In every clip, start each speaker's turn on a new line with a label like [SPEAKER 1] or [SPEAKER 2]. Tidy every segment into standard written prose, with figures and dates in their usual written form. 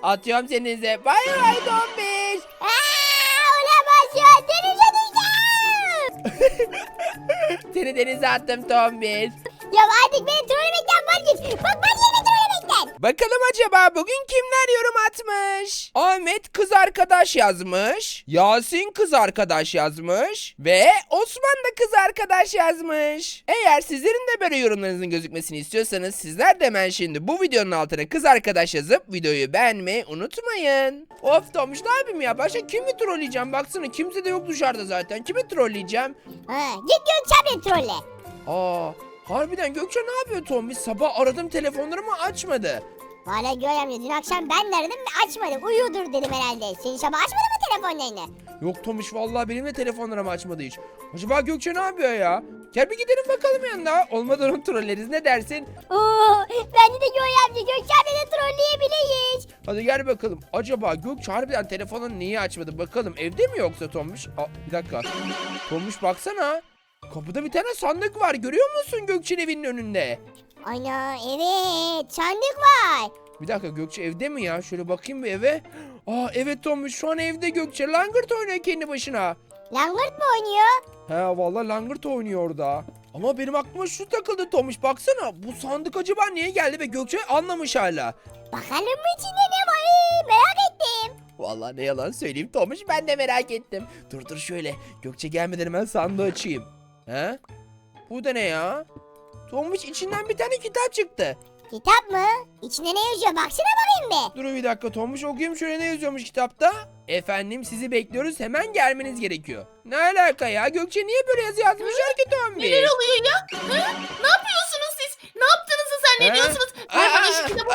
[SPEAKER 1] Atıyorum senize. Bay bay Tombiş.
[SPEAKER 2] Olamaz ya. Denize düşeceğim.
[SPEAKER 1] Seni denize attım Tombiş.
[SPEAKER 2] Ya artık beni trollemekten vazgeç. Bak vazgeçme trollemekten.
[SPEAKER 1] Bakalım acaba bugün kimler yorum atmış? Ahmet kız arkadaş yazmış. Yasin kız arkadaş yazmış. Ve Osman da kız arkadaş yazmış. Eğer sizlerin de böyle yorumlarınızın gözükmesini istiyorsanız sizler de hemen şimdi bu videonun altına kız arkadaş yazıp videoyu beğenmeyi unutmayın. Of Tomuş ne yapayım ya? Başka kimi trolleyeceğim? Baksana kimse de yok dışarıda zaten. Kimi trolleyeceğim?
[SPEAKER 2] Git Gökçen'le trolle.
[SPEAKER 1] Aa, harbiden Gökçe ne yapıyor Tomuş? Sabah aradım telefonlarımı açmadı.
[SPEAKER 2] Valla göremiyor. Dün akşam ben de aradım ve açmadım. Uyuyordur dedim herhalde. Senin sabah açmadın mı telefonlarını?
[SPEAKER 1] Yok Tomuş vallahi benim de telefonlarımı açmadı hiç. Acaba Gökçe ne yapıyor ya? Gel bir gidelim bakalım yanına. Olmadan onu trolleriz ne dersin?
[SPEAKER 2] Oo, bence de amca Gökçen'le de trolleyebiliriz.
[SPEAKER 1] Hadi gel bakalım. Acaba Gökçe harbiden telefonunu niye açmadı bakalım. Evde mi yoksa Tomuş? Aa, bir dakika. Tomuş baksana. Kapıda bir tane sandık var. Görüyor musun Gökçe'nin evinin önünde?
[SPEAKER 2] Ana evet sandık var.
[SPEAKER 1] Bir dakika Gökçe evde mi ya? Şöyle bakayım bir eve. Aa evet Tomuş şu an evde Gökçe. Langırt oynuyor kendi başına.
[SPEAKER 2] Langırt mı oynuyor?
[SPEAKER 1] He vallahi langırt oynuyor orada. Ama benim aklıma şu takıldı Tomuş baksana. Bu sandık acaba niye geldi ve Gökçe anlamış hala.
[SPEAKER 2] Bakalım mı içinde ne var? Merak ettim.
[SPEAKER 1] Vallahi ne yalan söyleyeyim Tomuş ben de merak ettim. Dur şöyle Gökçe gelmeden hemen sandığı açayım. He? Bu da ne ya? Tomuş içinden bir tane kitap çıktı.
[SPEAKER 2] Kitap mı? İçinde ne yazıyor? Baksana bakayım bir.
[SPEAKER 1] Dur bir dakika Tomuş okuyayım şöyle ne yazıyormuş kitapta? Efendim sizi bekliyoruz hemen gelmeniz gerekiyor. Ne alaka ya? Gökçe niye böyle yazı yazmışlar ki Tomuş?
[SPEAKER 3] Neler oluyor ya? Ne yapıyorsunuz siz? Ne yaptığınızı zannediyorsunuz? Ver bana şu kitabı.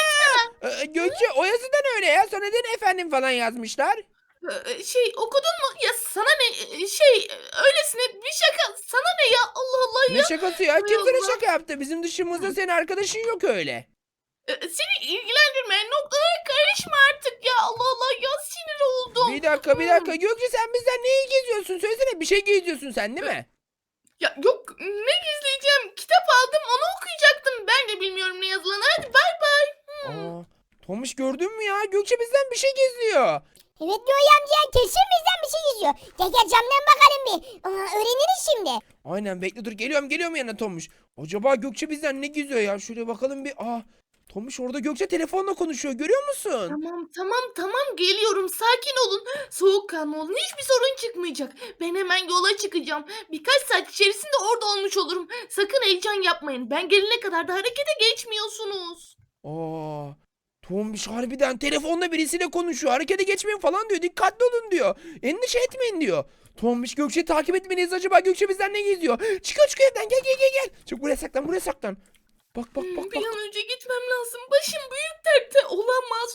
[SPEAKER 1] Gökçe o yazıdan öyle ya. Sonra neden efendim falan yazmışlar?
[SPEAKER 3] Okudun mu? Ya sana ne? Öylesine bir şaka. Sana ne ya? Allah Allah
[SPEAKER 1] Ne
[SPEAKER 3] ya.
[SPEAKER 1] şakası ya?
[SPEAKER 3] Hay
[SPEAKER 1] Kim sana
[SPEAKER 3] Allah.
[SPEAKER 1] şaka yaptı? Bizim dışımızda senin arkadaşın yok öyle.
[SPEAKER 3] Seni ilgilendirmeyen noktalara karışma artık ya. Allah Allah ya sinir oldum.
[SPEAKER 1] Bir dakika Gökçe sen bizden neyi geziyorsun? Söylesene bir şey geziyorsun sen değil mi?
[SPEAKER 3] Ya yok ne gizleyeceğim? Kitap aldım onu okuyacaktım. Ben de bilmiyorum ne yazılanı. Hadi bay bay.
[SPEAKER 1] Aa, Tomuş gördün mü ya? Gökçe bizden bir şey geziyor.
[SPEAKER 2] Evet amca kesin bizden bir şey yazıyor. Gel camdan bakalım bir. Öğreniriz şimdi.
[SPEAKER 1] Aynen bekle dur geliyorum yanına Tomuş. Acaba Gökçe bizden ne geziyor ya? Şöyle bakalım bir. Tomuş orada Gökçe telefonla konuşuyor görüyor musun?
[SPEAKER 3] Tamam geliyorum sakin olun. Soğukkanlı olun hiçbir sorun çıkmayacak. Ben hemen yola çıkacağım. Birkaç saat içerisinde orada olmuş olurum. Sakın heyecan yapmayın. Ben gelene kadar da harekete geçmiyorsunuz.
[SPEAKER 1] Aa, Tomuş harbiden telefonla birisiyle konuşuyor. Harekete geçmeyin falan diyor. Dikkatli olun diyor. Endişe etmeyin diyor. Tomuş Gökçe'yi takip etmeliyiz. Acaba Gökçe bizden ne geziyor? Çıkıyor evden gel. Çık buraya saklan. Bak.
[SPEAKER 3] Bir an önce gitmem lazım. Başım büyük dertte. Olamaz.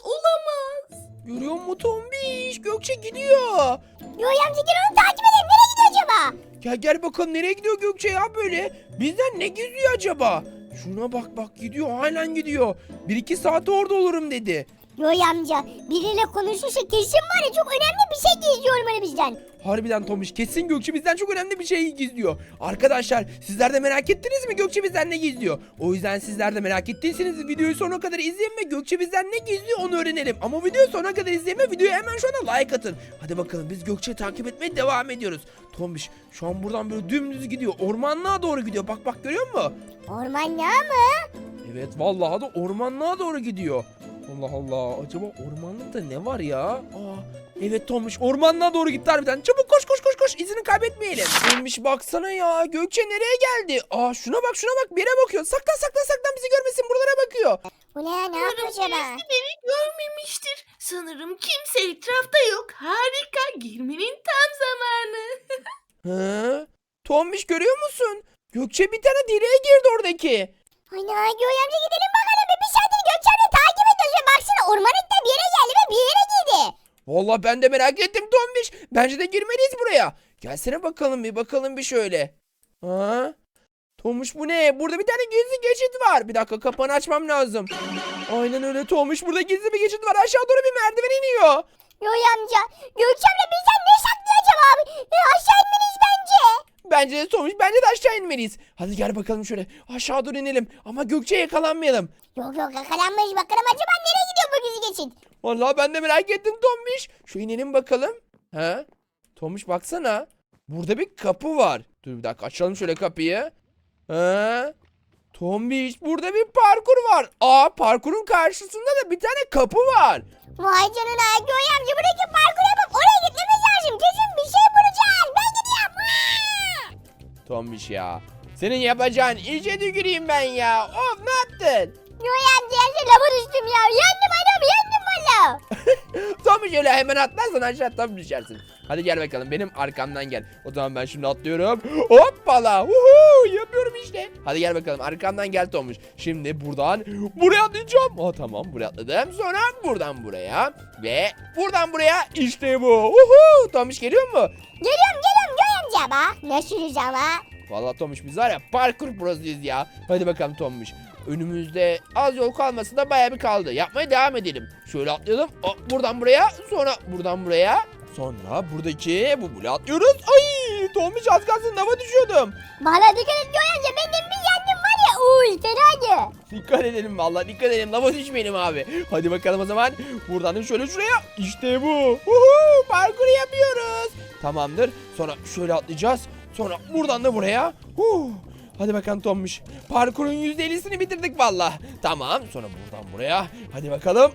[SPEAKER 1] Görüyor musun Tombiş? Gökçe gidiyor.
[SPEAKER 2] Amca gel onu takip edelim. Nereye gidiyor acaba?
[SPEAKER 1] Gel bakalım nereye gidiyor Gökçe ya böyle? Bizden ne gizliyor acaba? Şuna bak gidiyor halen gidiyor. 1-2 saate orada olurum dedi.
[SPEAKER 2] Amca biriyle konuşursa kesin var ya çok önemli bir şey gizliyor olmalı bizden.
[SPEAKER 1] Harbiden Tomuş kesin Gökçe bizden çok önemli bir şey gizliyor. Arkadaşlar sizler de merak ettiniz mi Gökçe bizden ne gizliyor? O yüzden sizler de merak ettiyseniz videoyu sonuna kadar izleyin ve Gökçe bizden ne gizliyor onu öğrenelim. Ama videoyu sonuna kadar izleyin ve videoya hemen şu anda like atın. Hadi bakalım biz Gökçe'yi takip etmeye devam ediyoruz. Tomuş şu an buradan böyle dümdüz gidiyor. Ormanlığa doğru gidiyor. Bak görüyor musun?
[SPEAKER 2] Ormanlığa mı?
[SPEAKER 1] Evet vallahi da ormanlığa doğru gidiyor. Allah acaba ormanlıkta ne var ya? Evet Tomuş ormanlığa doğru gitti harbiden. Çabuk koş izini kaybetmeyelim. Tomuş baksana ya Gökçe nereye geldi? Şuna bak bir yere bakıyor. Saklan bizi görmesin buralara bakıyor.
[SPEAKER 2] Bu ne yapıyor acaba?
[SPEAKER 3] Birisi beni görmemiştir. Sanırım kimse etrafta yok. Harika. Girmenin tam zamanı.
[SPEAKER 1] Hı? Tomuş görüyor musun? Gökçe bir tane direğe girdi oradaki.
[SPEAKER 2] Ana amca gidelim bakalım. Bir saattir Gökçen'le takip ediyoruz. Baksana ormanlıkta bir yere geldi ve bir yere girdi.
[SPEAKER 1] Vallahi ben de merak ettim Tombiş. Bence de girmeliyiz buraya. Gelsene bakalım bir şöyle. Tomuş bu ne? Burada bir tane gizli geçit var. Bir dakika kapağını açmam lazım. Aynen öyle Tomuş. Burada gizli bir geçit var. Aşağı doğru bir merdiven iniyor.
[SPEAKER 2] Amca Gökçen'le bizden ne saklıyor acaba abi? Aşağı inmeliyiz bence.
[SPEAKER 1] Bence de Tomuş. Bence de aşağı inmeliyiz. Hadi gel bakalım şöyle. Aşağı doğru inelim. Ama Gökçe'ye yakalanmayalım.
[SPEAKER 2] Yok yakalanmayız bakalım acaba nereye gidiyor bu düz geçit.
[SPEAKER 1] Vallahi ben de merak ettim Tombiş. Şu inelim bakalım. He? Tombiş baksana. Burada bir kapı var. Dur bir dakika açalım şöyle kapıyı. He? Tombiş burada bir parkur var. Aa parkurun karşısında da bir tane kapı var.
[SPEAKER 2] Vay canına Göğe amca buradaki parkur yapıp oraya gitmemiz lazım. Kesin bir şey bulacağız. Ben gidiyorum.
[SPEAKER 1] Tombiş ya. Senin yapacağın işe tüküreyim ben ya. Of ne yaptın?
[SPEAKER 2] Göğe amca lava düştüm ya. Yandım adam yandım valla.
[SPEAKER 1] Tombiş öyle hemen atlarsan aşağı tam düşersin. Hadi gel bakalım benim arkamdan gel. O zaman ben şimdi atlıyorum. Hoppala. Yapıyorum işte. Hadi gel bakalım arkamdan gel Tombiş. Şimdi buradan buraya atlayacağım. Tamam buraya atladım. Sonra buradan buraya. Ve buradan buraya. İşte bu. Tombiş geliyor mu?
[SPEAKER 2] Geliyorum Göğe amca bak. Ne sürüz ama.
[SPEAKER 1] Vallahi Tombiş biz var ya parkur prosuyuz ya. Hadi bakalım Tombiş. Önümüzde az yol kalması da bayağı bir kaldı. Yapmaya devam edelim. Şöyle atlayalım. Buradan buraya. Sonra buradan buraya. Sonra buradaki bu bule atlıyoruz. Ay Tombiş az kalsın lava düşüyordum.
[SPEAKER 2] Valla dikkat et Göğe amca. Benim bir yandım var ya. Uy fenaydı.
[SPEAKER 1] Dikkat edelim vallahi dikkat edelim. Lava düşmeyelim abi. Hadi bakalım o zaman. Buradan da şöyle şuraya. İşte bu. Parkuru yapıyoruz. Tamamdır. Sonra şöyle atlayacağız. Sonra buradan da buraya. Hadi bakalım Tombiş. Parkurun %50'sini bitirdik valla. Tamam. Sonra buradan buraya. Hadi bakalım.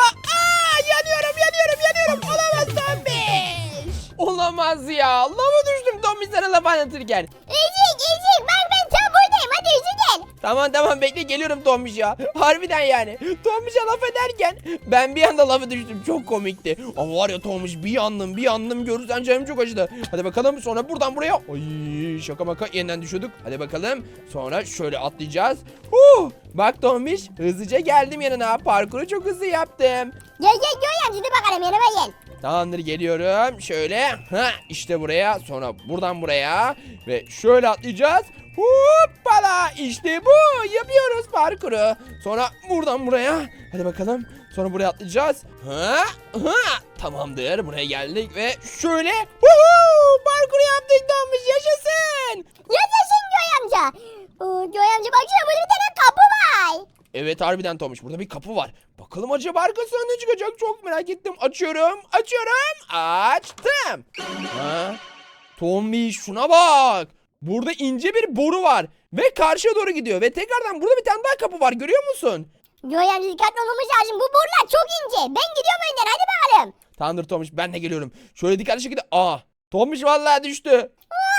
[SPEAKER 1] Yanıyorum. Olamaz Tombiş. Olamaz ya. Lava düştüm Tombiş sana laf anlatırken.
[SPEAKER 2] Ezik bak ben tam buradayım. Hadi Ezik gel.
[SPEAKER 1] Tamam bekle geliyorum Tombiş ya. Harbiden yani. Tombiş'e laf ederken ben bir anda lafı düştüm. Çok komikti. Ama var ya Tombiş bir yandım görürsen canım çok acıdı. Hadi bakalım sonra buradan buraya. Ay şaka maka yeniden düşüyorduk. Hadi bakalım. Sonra şöyle atlayacağız. Bak Tombiş hızlıca geldim yanına. Parkuru çok hızlı yaptım.
[SPEAKER 2] Gel Göğe amca dur bakalım yanıma gel.
[SPEAKER 1] Tamamdır geliyorum. Şöyle. İşte buraya. Sonra buradan buraya. Ve şöyle atlayacağız. Hoppala. İşte bu. Yapıyoruz parkuru. Sonra buradan buraya. Hadi bakalım. Sonra buraya atlayacağız. Tamamdır. Buraya geldik ve şöyle. Parkuru yaptık Tombiş. Yaşasın.
[SPEAKER 2] Yaşasın Göğe amca. Göğe amca baksana burada bir tane kapı var.
[SPEAKER 1] Evet harbiden Tombiş. Burada bir kapı var. Bakalım acaba arkasından ne çıkacak? Çok merak ettim. Açıyorum. Açtım. Tombiş şuna bak. Burada ince bir boru var. Ve karşıya doğru gidiyor. Ve tekrardan burada bir tane daha kapı var. Görüyor musun?
[SPEAKER 2] Göğe amca dikkatli olmamız lazım. Bu borular çok ince. Ben gidiyorum önden hadi bakalım.
[SPEAKER 1] Tamamdır Tombiş ben de geliyorum. Şöyle dikkatli şekilde. Tombiş vallahi düştü.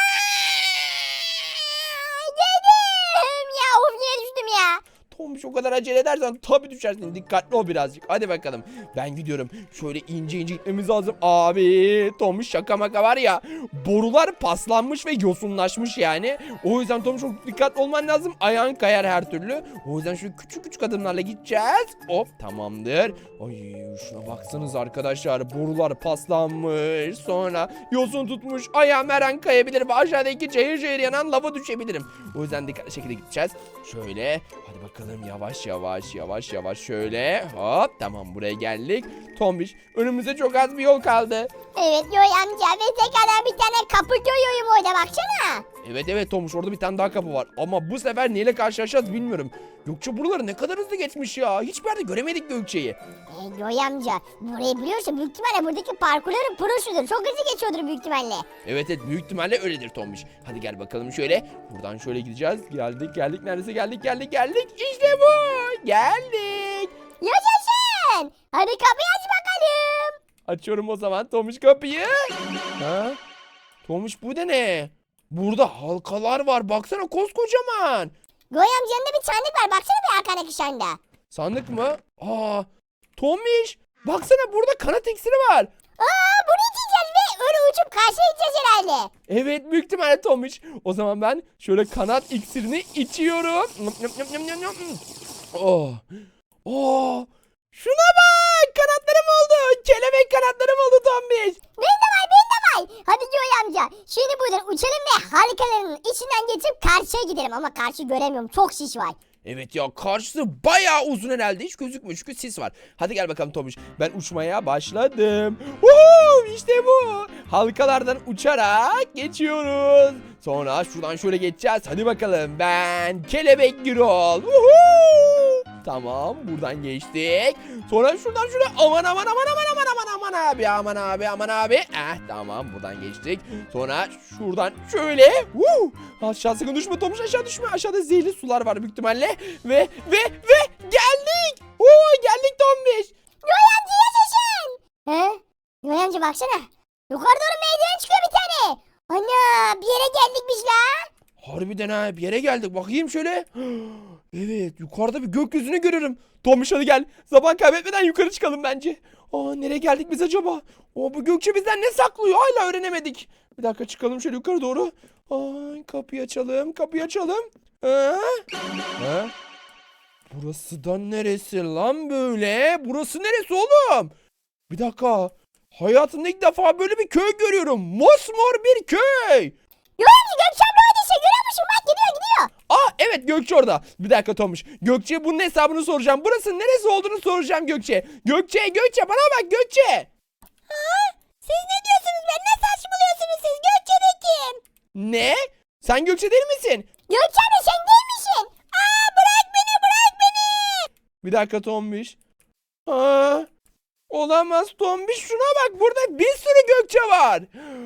[SPEAKER 2] Dedim ya of niye düştüm ya.
[SPEAKER 1] Tombiş o kadar acele edersen tabii düşersin. Dikkatli ol birazcık. Hadi bakalım. Ben gidiyorum. Şöyle ince gitmemiz lazım. Abi Tombiş şaka maka var ya. Borular paslanmış ve yosunlaşmış yani. O yüzden Tombiş çok dikkatli olman lazım. Ayağın kayar her türlü. O yüzden şöyle küçük adımlarla gideceğiz. Hop tamamdır. Ay şuna baksanız arkadaşlar. Borular paslanmış. Sonra yosun tutmuş. Ayağım her an kayabilir ve aşağıdaki cayır yanan lava düşebilirim. O yüzden dikkatli şekilde gideceğiz. Şöyle. Hadi bakalım yavaş şöyle. Hop tamam buraya geldik. Tombiş önümüzde çok az bir yol kaldı.
[SPEAKER 2] Evet Göğe amca ve tekrardan bir tane kapı görüyorum orada baksana.
[SPEAKER 1] Evet Tombiş orada bir tane daha kapı var. Ama bu sefer neyle karşılaşacağız bilmiyorum. Gökçe buraları ne kadar hızlı geçmiş ya. Hiçbir yerde göremedik Gökçe'yi.
[SPEAKER 2] Göğe amca burayı biliyorsun büyük ihtimalle buradaki parkurların prosudur. Çok hızlı geçiyordur büyük ihtimalle.
[SPEAKER 1] Evet büyük ihtimalle öyledir Tombiş. Hadi gel bakalım şöyle. Buradan şöyle gideceğiz. Geldik neredeyse geldik. İşte bu. Geldik.
[SPEAKER 2] Yaşasın. Hadi kapıyı aç bakalım.
[SPEAKER 1] Açıyorum o zaman Tombiş kapıyı. Tombiş bu da ne? Burada halkalar var. Baksana koskocaman.
[SPEAKER 2] Göğe amca yanında bir sandık var. Baksana bir arkadaki sandığa.
[SPEAKER 1] Sandık mı? Tombiş. Baksana burada kanat iksiri var.
[SPEAKER 2] Bunu içeceğiz ve öyle uçup karşıya gideceğiz herhalde.
[SPEAKER 1] Evet büyük ihtimalle Tombiş. O zaman ben şöyle kanat iksirini içiyorum. Şuna bak. Kanatlarım oldu. Kelebek kanatlarım oldu Tombiş.
[SPEAKER 2] Benim de var. Hadi Göğe amca. Şimdi buradan uçalım ve harikaların içinden geçip karşıya gidelim. Ama karşı göremiyorum. Çok şiş var.
[SPEAKER 1] Evet ya karşısı bayağı uzun herhalde. Hiç gözükmüyor çünkü sis var. Hadi gel bakalım Tombiş. Ben uçmaya başladım. İşte bu. Halkalardan uçarak geçiyoruz. Sonra şuradan şöyle geçeceğiz. Hadi bakalım ben Kelebek Gürol. Tamam, buradan geçtik. Sonra şuradan şuraya. Aman aman aman aman aman aman aman abi, aman abi, aman abi. Tamam, buradan geçtik. Sonra şuradan şöyle. Aşağı sakın düşme Tomuş, aşağı düşme. Aşağıda zehirli sular var büyük ihtimalle. Ve geldik. Geldik Tomuş.
[SPEAKER 2] Yoy amca yaşasın. He? Yoy amca baksana. Yukarı doğru merdiven çıkıyor bir tane. Ana bir yere geldik biz la.
[SPEAKER 1] Harbiden ha, bir yere geldik. Bakayım şöyle. Evet, yukarıda bir gökyüzünü görüyorum. Tomuş hadi gel. Zaman kaybetmeden yukarı çıkalım bence. Nereye geldik biz acaba? Bu Gökçe bizden ne saklıyor? Hala öğrenemedik. Bir dakika, çıkalım şöyle yukarı doğru. Kapıyı açalım. Kapıyı açalım. Burası da neresi lan böyle? Burası neresi oğlum? Bir dakika. Hayatımda ilk defa böyle bir köy görüyorum. Mosmor bir köy.
[SPEAKER 2] Yoy amca Gökçe abla oradaysa görüyor musun? Bak gidiyor.
[SPEAKER 1] Evet, Gökçe orada. Bir dakika Tomuş. Gökçe bunun hesabını soracağım. Burası neresi olduğunu soracağım Gökçe. Gökçe bana bak Gökçe.
[SPEAKER 2] Siz ne diyorsunuz be? Ne saçmalıyorsunuz siz? Gökçe de kim?
[SPEAKER 1] Ne? Sen Gökçe değil misin?
[SPEAKER 2] Gökçe abla sen değil misin? Bırak beni.
[SPEAKER 1] Bir dakika Tomuş. Olamaz Tomuş. Şuna bak, burada bir sürü Gökçe var.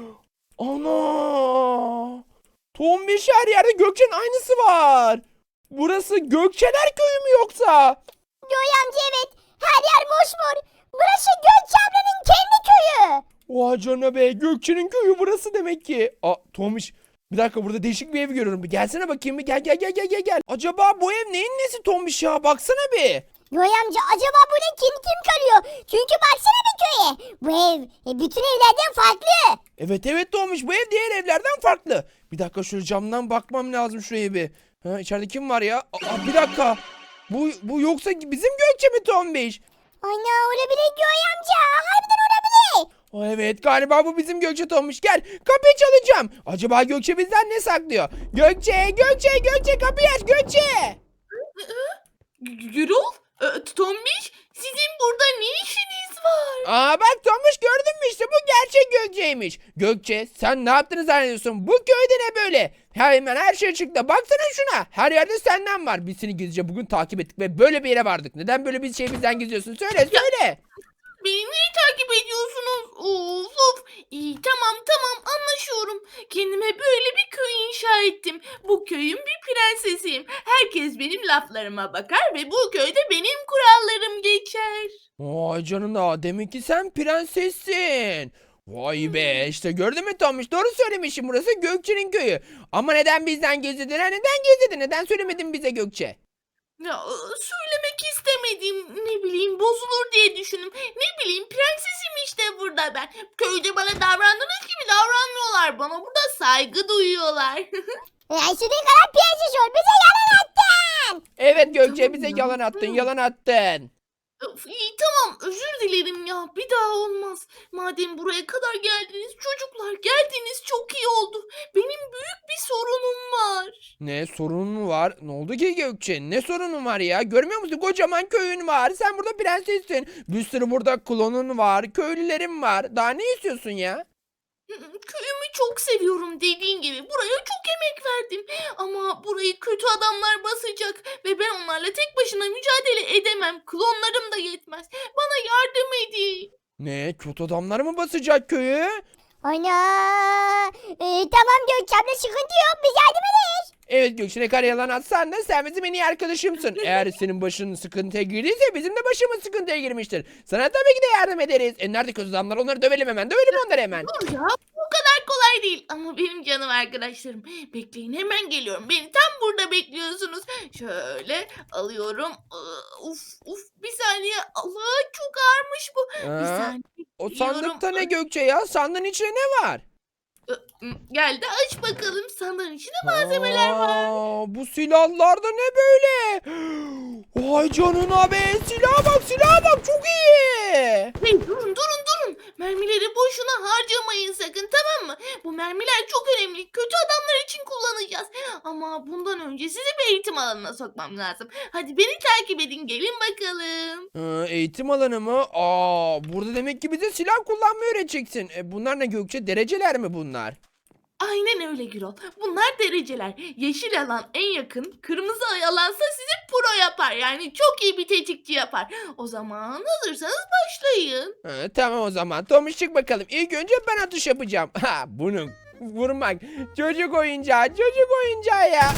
[SPEAKER 1] Ana. Tomuş, her yerde Gökçe'nin aynısı var. Burası Gökçeler köyü mü yoksa?
[SPEAKER 2] Yoy amca evet. Her yer mosmor. Burası Gökçe ablanın kendi köyü.
[SPEAKER 1] Oha canına be, Gökçe'nin köyü burası demek ki. Tomuş, bir dakika, burada değişik bir ev görüyorum. Bir gelsene bakayım, bir gel. Acaba bu ev neyin nesi Tomuş ya? Baksana bir.
[SPEAKER 2] Yoy amca acaba burada kim kalıyor? Çünkü baksana bir köye. Bu ev bütün evlerden farklı.
[SPEAKER 1] Evet Tomuş, bu ev diğer evlerden farklı. Bir dakika, şöyle camdan bakmam lazım şuraya bir. İçeride kim var ya? Bir dakika. Bu yoksa bizim Gökçe mi Tomuş?
[SPEAKER 2] Ana olabilir Yoy amca. Harbiden olabilir.
[SPEAKER 1] Evet, galiba bu bizim Gökçe Tomuş. Gel, kapıyı çalacağım. Acaba Gökçe bizden ne saklıyor? Gökçe kapıyı aç Gökçe.
[SPEAKER 3] Gürol, Tombiş, sizin burada ne işiniz var?
[SPEAKER 1] Bak Tomuş, gördün mü işte, bu gerçek Gökçe'ymiş. Gökçe, sen ne yaptığını zannediyorsun? Bu köyde ne böyle? Hemen her şey çıktı. Baksana şuna. Her yerde senden var. Biz seni gizlice bugün takip ettik ve böyle bir yere vardık. Neden böyle bir şey bizden gizliyorsun? Söyle.
[SPEAKER 3] Beni niye takip ediyorsunuz? Of. İyi tamam anlaşıyorum. Kendime böyle bir köy inşa ettim. Bu köyün bir prensesiyim. Herkes benim laflarıma bakar ve bu köyde benim kurallarım geçer.
[SPEAKER 1] Vay canına, demek ki sen prensessin. Vay be, işte gördün mü Tomuş, doğru söylemişim, burası Gökçe'nin köyü. Ama neden bizden gizledin? Neden gizledin? Neden söylemedin bize Gökçe?
[SPEAKER 3] Ya söylemek istemedim. Ne bileyim bozulur diye düşündüm. Ne bileyim prensesim işte burada ben. Köyde bana davrandığınız gibi davranmıyorlar. Bana burada saygı duyuyorlar.
[SPEAKER 2] İstediğin kadar piyasa sor. Bize yalan attın.
[SPEAKER 1] Evet Gökçe,
[SPEAKER 3] Tamam
[SPEAKER 1] bize
[SPEAKER 3] ya,
[SPEAKER 1] yalan attın.
[SPEAKER 3] İyi tamam özür dilerim ya. Bir daha olmaz. Madem buraya kadar geldiniz çocuklar geldiniz çok iyi oldu. Benim büyük bir sorunum var.
[SPEAKER 1] Ne sorunun mu var? Ne oldu ki Gökçe? Ne sorunun var ya? Görmüyor musun? Kocaman köyün var. Sen burada prensessin. Bir sürü burada klonun var. Köylülerin var. Daha ne istiyorsun ya?
[SPEAKER 3] Köyümü çok seviyorum dediğin gibi. Buraya çok emek verdim. Ama burayı kötü adamlar basacak. Ve ben onlarla tek başına mücadele edemem. Klonlarım da yetmez. Bana yardım edin.
[SPEAKER 1] Ne? Kötü adamlar mı basacak köyü?
[SPEAKER 2] Ana. Tamam Gökçe abla sıkıntı yok. Biz yardım ederiz.
[SPEAKER 1] Evet Gökçe, ne kadar yalan atsan da sen bizim en iyi arkadaşımsın. Eğer senin başın sıkıntıya girdiyse bizim de başımız sıkıntıya girmiştir. Sana tabii ki de yardım ederiz. Nerede kötü adamlar? Onları dövelim hemen. Dövelim onları hemen.
[SPEAKER 3] Dur ya bu kadar kolay değil. Ama benim canım arkadaşlarım. Bekleyin hemen geliyorum. Beni tam burada bekliyorsunuz. Şöyle alıyorum. Uf bir saniye. Allah çok ağırmış bu. Bir
[SPEAKER 1] Aa,
[SPEAKER 3] saniye.
[SPEAKER 1] O
[SPEAKER 3] Geliyorum.
[SPEAKER 1] sandıkta ne Gökçe ya? Sandığın içinde ne var?
[SPEAKER 3] Geldi aç bakalım. Sandığın içinde malzemeler var.
[SPEAKER 1] Bu silahlar da ne böyle? Vay canına be, silaha bak çok iyi.
[SPEAKER 3] Hey durun. Mermileri boşuna harcamayın sakın tamam mı? Bu mermiler çok önemli. Kötü adamlar için kullanacağız. Ama bundan önce sizi bir eğitim alanına sokmam lazım. Hadi beni takip edin gelin bakalım.
[SPEAKER 1] Eğitim alanı mı? Burada demek ki bize silah kullanmayı öğreteceksin. Bunlar ne Gökçe? Dereceler mi bunlar?
[SPEAKER 3] Aynen öyle Gürol. Bunlar dereceler. Yeşil alan en yakın, kırmızı alansa sizi pro yapar. Yani çok iyi bir tetikçi yapar. O zaman hazırsanız başlayın.
[SPEAKER 1] Tamam o zaman. Tomuş çık bakalım. İlk önce ben atış yapacağım. Ha bunu vurmak. Çocuk oyuncağı. Çocuk oyuncağı ya.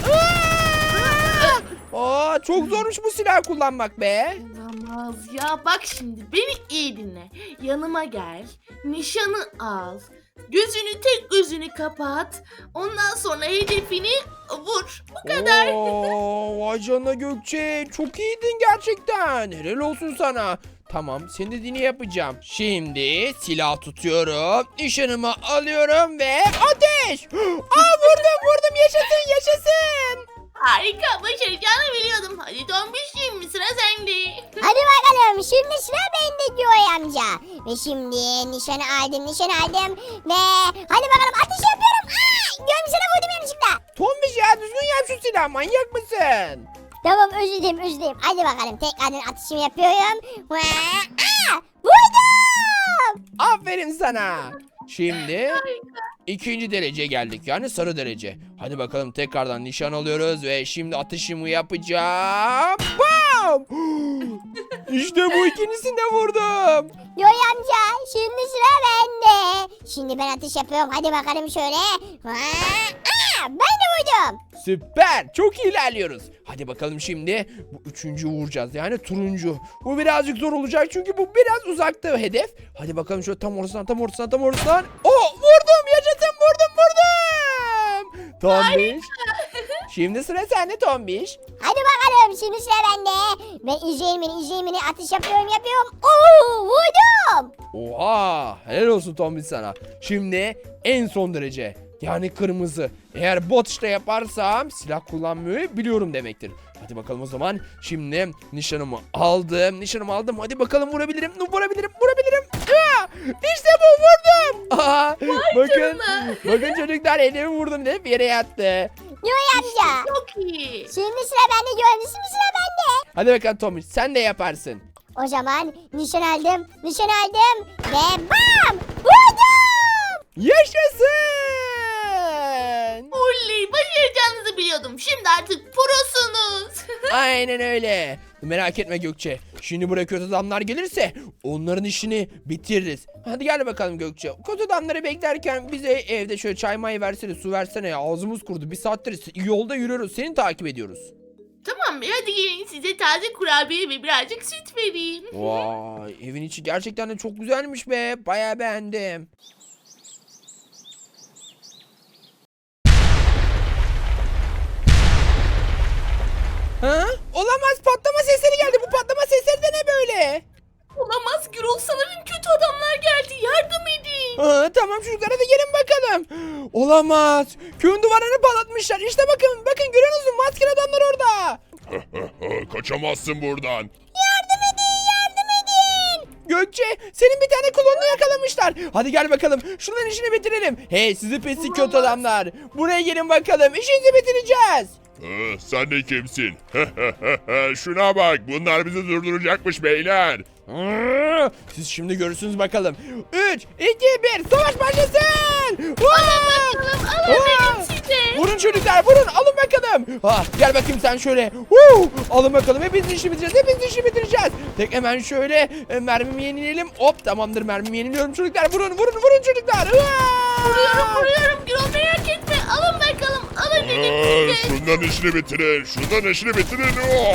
[SPEAKER 1] Aa, çok zormuş bu silah kullanmak be.
[SPEAKER 3] Olamaz ya. Bak şimdi beni iyi dinle. Yanıma gel. Nişanı al. Tek gözünü kapat. Ondan sonra hedefini vur. Bu kadar.
[SPEAKER 1] Oo, vay canına Gökçe. Çok iyiydin gerçekten. Helal olsun sana. Tamam, senin dediğini yapacağım. Şimdi silah tutuyorum. Nişanımı alıyorum ve ateş. Aa, vurdum yaşasın yaşasın.
[SPEAKER 3] Harika. Başaracağını biliyordum. Hadi Tombiş şimdi sıra sende.
[SPEAKER 2] Hadi bakalım şimdi sıra bende Joy amca. Ve şimdi nişanı aldım ve hadi bakalım atış yapıyorum. Gördüm sana vurdum yanlışlıkla.
[SPEAKER 1] Tombiş ya, düzgün yap şu silahı, manyak mısın?
[SPEAKER 2] Tamam özür dilerim. Hadi bakalım tekrardan atışımı yapıyorum. Vurdum.
[SPEAKER 1] Aferin sana. Şimdi ikinci derece geldik, yani sarı derece. Hadi bakalım tekrardan nişan alıyoruz ve şimdi atışımı yapacağım. Bam! İşte bu, ikincisini de vurdum.
[SPEAKER 2] Joy amca şimdi sıra bende. Şimdi ben atış yapıyorum. Hadi bakalım şöyle. Ben de vurdum.
[SPEAKER 1] Süper, çok iyi ilerliyoruz. Hadi bakalım şimdi bu üçüncü vuracağız, yani turuncu. Bu birazcık zor olacak çünkü bu biraz uzakta hedef. Hadi bakalım şöyle tam ortasından. Oh, vurdum, yaşasın, vurdum. Tombiş. Şimdi sıra sende Tombiş.
[SPEAKER 2] Hadi bakalım şimdi sıra bende. Ben izleyin beni atış yapıyorum. Oo vurdum.
[SPEAKER 1] Oha, helal olsun Tombiş sana. Şimdi en son derece, yani kırmızı. Eğer bot işte yaparsam silah kullanmayı biliyorum demektir. Hadi bakalım o zaman. Şimdi nişanımı aldım. Hadi bakalım vurabilirim. İşte bu, vurdum. Aa, bakın çocuklar, elimi vurdum deyip yere yattı.
[SPEAKER 2] Joy amca.
[SPEAKER 3] Çok iyi.
[SPEAKER 2] Şimdi sıra bende Joy. Şimdi sıra bende.
[SPEAKER 1] Hadi bakalım Tombiş, sen de yaparsın.
[SPEAKER 2] O zaman nişan aldım ve bam! Vurdum!
[SPEAKER 1] Yaşasın.
[SPEAKER 3] Oley, başaracağınızı biliyordum. Şimdi artık prosunuz.
[SPEAKER 1] Aynen öyle. Merak etme Gökçe. Şimdi buraya kötü adamlar gelirse onların işini bitiririz. Hadi gel bakalım Gökçe. Kötü adamları beklerken bize evde şöyle çay may versene, su versene ya. Ağzımız kurudu. Bir saattir yolda yürüyoruz. Seni takip ediyoruz.
[SPEAKER 3] Tamam be, hadi gelin size taze kurabiye ve birazcık süt vereyim.
[SPEAKER 1] Vay, evin içi gerçekten de çok güzelmiş be. Bayağı beğendim. Ha? Olamaz, patlama sesleri geldi. Bu patlama sesleri de ne böyle?
[SPEAKER 3] Olamaz Gürol, sanırım kötü adamlar geldi. Yardım edin.
[SPEAKER 1] Tamam çocuklar, hadi gelin bakalım. Olamaz. Köyün duvarını patlatmışlar. İşte bakın görüyor musun? Maskeli adamlar orada.
[SPEAKER 4] Kaçamazsın buradan.
[SPEAKER 1] Gökçe, senin bir tane klonunu yakalamışlar. Hadi gel bakalım. Şunların işini bitirelim. Hey sizi pislik kötü adamlar. Buraya gelin bakalım. İşinizi bitireceğiz.
[SPEAKER 4] Sen de kimsin? Şuna bak, bunlar bizi durduracakmış beyler.
[SPEAKER 1] Siz şimdi görürsünüz bakalım. 3, 2, 1, savaş başlasın.
[SPEAKER 3] Alın size.
[SPEAKER 1] Vurun çocuklar, vurun, alın bakalım. Gel bakayım sen şöyle. Alın bakalım, hepinizin işi bitireceğiz. Tek hemen şöyle mermimi yenileyelim. Hop, tamamdır, mermimi yeniliyorum çocuklar. Vurun çocuklar.
[SPEAKER 3] Vuruyorum Gürol, merak etme. Alın bakalım. Alın dedim size.
[SPEAKER 4] Şundan işini bitirin.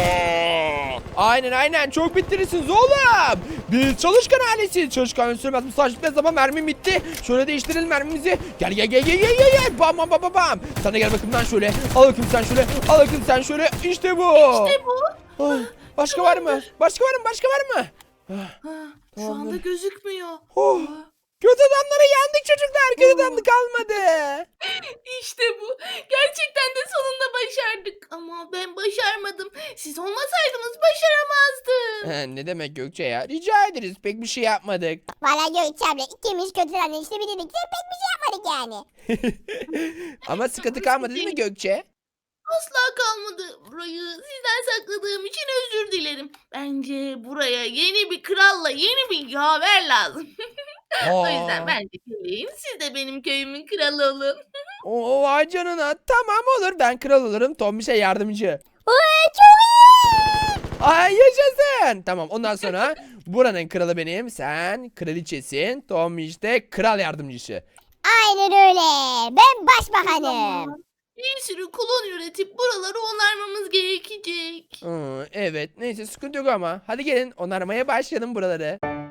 [SPEAKER 1] Aynen, çok bitirirsiniz oğlum. Biz çalışkan ailesi. Çalışkan sürmez. Mesajlıkta zaman mermim bitti. Şöyle değiştirelim mermimizi. Gel. Bam. Sana gel bakayım lan şöyle. Al bakayım sen şöyle. İşte bu.
[SPEAKER 3] İşte bu.
[SPEAKER 1] Başka var mı? Başka var mı?
[SPEAKER 3] Şu anda gözükmüyor.
[SPEAKER 1] Oh. Kötü adamları yendik çocuklar. Kötü adam kalmadı.
[SPEAKER 3] İşte bu. Gerçekten de sonunda başardık. Ama ben başarmadım. Siz olmasaydınız başaramazdım.
[SPEAKER 1] Ne demek Gökçe ya? Rica ederiz. Pek bir şey yapmadık.
[SPEAKER 2] Valla Gökçe abla ikimiz kötülerle işte bitirdik. Pek bir şey yapmadık yani.
[SPEAKER 1] Ama sıkıntı kalmadı değil mi Gökçe?
[SPEAKER 3] Asla kalmadı. Burayı sizden sakladığım için özür dilerim. Bence buraya yeni bir kralla yeni bir yaver lazım. O yüzden
[SPEAKER 1] Aa,
[SPEAKER 3] ben de geleyim. Siz de benim köyümün kralı olun.
[SPEAKER 1] vay canına. Tamam olur, ben kral olurum. Tombiş'e yardımcı.
[SPEAKER 2] Çok iyi.
[SPEAKER 1] Ay yaşasın. Tamam, ondan sonra buranın kralı benim. Sen kraliçesin. Tombiş de kral yardımcısı.
[SPEAKER 2] Aynen öyle. Ben başbakanım.
[SPEAKER 3] Tamam. Bir sürü kolon üretip buraları onarmamız gerekecek.
[SPEAKER 1] Evet, neyse sıkıntı yok ama. Hadi gelin onarmaya başlayalım buraları.